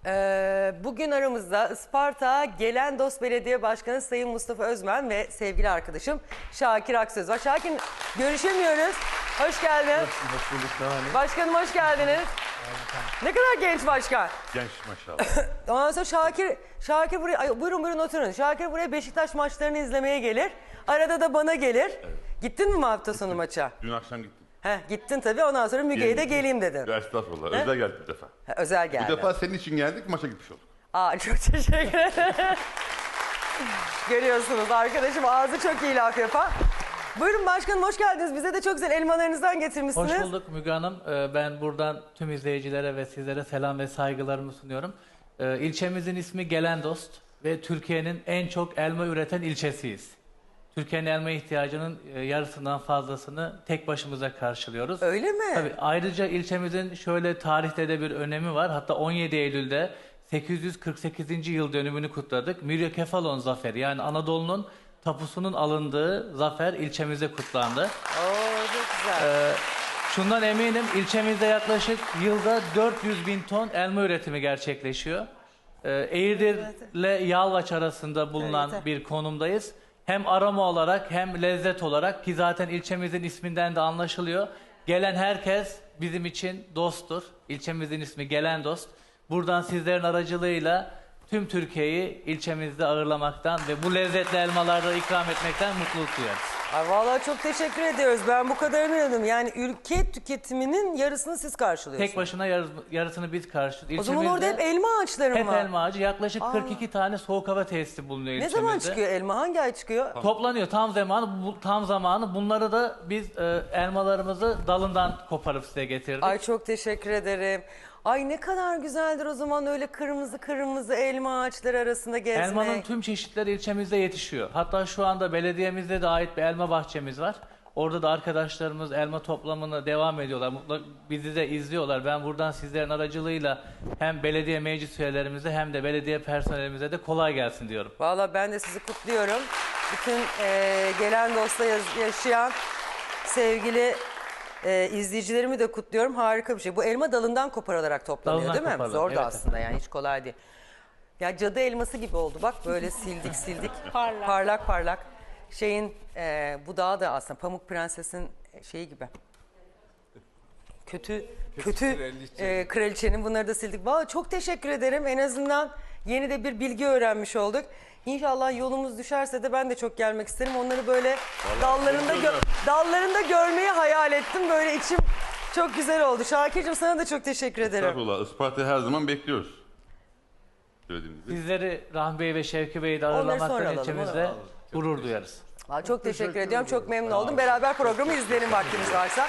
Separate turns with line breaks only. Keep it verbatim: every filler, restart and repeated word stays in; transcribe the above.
Ee, bugün aramızda Isparta Gelendos Belediye Başkanı Sayın Mustafa Özmen ve sevgili arkadaşım Şakir Aksöz var. Şakir, görüşemiyoruz. Hoş geldin.
Hoş bulduk. Ne var?
Başkanım hoş geldiniz. Ne kadar genç başkan.
Genç maşallah.
Ondan sonra Şakir, Şakir buraya, ay, buyurun buyurun oturun. Şakir buraya Beşiktaş maçlarını izlemeye gelir. Arada da bana gelir. Evet. Gittin mi bu hafta sonu maça?
Dün akşam gittim.
Heh, gittin tabii, ondan sonra Müge'ye de geleyim dedin.
Ya estağfurullah. He? Özel geldik bir defa.
Ha, özel geldi.
Bu defa senin için geldik, maça gitmiş olduk.
Aa, çok teşekkür ederim. Görüyorsunuz arkadaşım ağzı çok iyi laf yapar. Buyurun başkanım, hoş geldiniz. Bize de çok güzel elmalarınızdan getirmişsiniz.
Hoş bulduk Müge Hanım. Ben buradan tüm izleyicilere ve sizlere selam ve saygılarımı sunuyorum. İlçemizin ismi Gelendost ve Türkiye'nin en çok elma üreten ilçesiyiz. Türkiye'nin elma ihtiyacının yarısından fazlasını tek başımıza karşılıyoruz.
Öyle mi?
Tabii, ayrıca ilçemizin şöyle tarihte de bir önemi var. Hatta on yedi Eylül'de sekiz yüz kırk sekizinci yıl dönümünü kutladık. Myriokefalon zaferi, yani Anadolu'nun tapusunun alındığı zafer ilçemizde kutlandı.
Oo, çok güzel.
Ee, şundan eminim, ilçemizde yaklaşık yılda dört yüz bin ton elma üretimi gerçekleşiyor. Ee, Eğirdir ile Yalvaç arasında bulunan
Evet.
bir konumdayız. Hem aroma olarak hem lezzet olarak, ki zaten ilçemizin isminden de anlaşılıyor. Gelen herkes bizim için dosttur. İlçemizin ismi Gelendost. Buradan sizlerin aracılığıyla tüm Türkiye'yi ilçemizde ağırlamaktan ve bu lezzetli elmaları ikram etmekten mutluluk duyarız.
Ay, vallahi çok teşekkür ediyoruz. Ben bu kadarını inanıyorum. Yani ülke tüketiminin yarısını siz karşılıyorsunuz.
Tek başına yarı- yarısını biz karşılıyoruz.
O zaman orada hep elma ağaçları
hep
mı var?
elma ağacı. Yaklaşık
Aa.
kırk iki tane soğuk hava tesisi bulunuyor
Ne
ilçemizde.
zaman çıkıyor elma? Hangi ay çıkıyor?
Toplanıyor tam zamanı, bu, tam zamanı. Bunları da biz e, elmalarımızı dalından koparıp size getirdik.
Ay çok teşekkür ederim. Ay ne kadar güzeldir o zaman öyle kırmızı kırmızı elma ağaçları arasında gezmek.
Elmanın tüm çeşitleri ilçemizde yetişiyor. Hatta şu anda belediyemizde de ait bir elma bahçemiz var. Orada da arkadaşlarımız elma toplamını devam ediyorlar. Mutlaka bizi de izliyorlar. Ben buradan sizlerin aracılığıyla hem belediye meclis üyelerimize hem de belediye personelimize de kolay gelsin diyorum.
Vallahi ben de sizi kutluyorum. Bütün e, gelen dosta yaz- yaşayan sevgili e, izleyicilerimi de kutluyorum. Harika bir şey. Bu elma dalından koparılarak toplanıyor
Dalından
değil mi?
koparılır,
Zor da
evet.
aslında, yani hiç kolay değil. Ya cadı elması gibi oldu bak, böyle sildik sildik.
Parlak.
Parlak parlak. Şeyin e, budağı da aslında Pamuk Prenses'in şeyi gibi. Kötü kötü
kraliçe.
e, kraliçenin, bunları da sildik. Vallahi çok teşekkür ederim. En azından yeni de bir bilgi öğrenmiş olduk. İnşallah yolumuz düşerse de ben de çok gelmek isterim. Onları böyle dallarında gö- dallarında görmeyi hayal ettim. Böyle içim çok güzel oldu. Şakir'cim sana da çok teşekkür ederim.
Estağfurullah. Isparta'yı her zaman bekliyoruz. Söylediğimiz gibi.
Sizleri Rahmi Bey ve Şevki Bey'i de
sonra
ağırlamaktan
alalım,
ilçemizde gurur duyarız.
Vallahi çok teşekkür ediyorum. Çok memnun oldum. Beraber programı izleyelim vaktimiz varsa.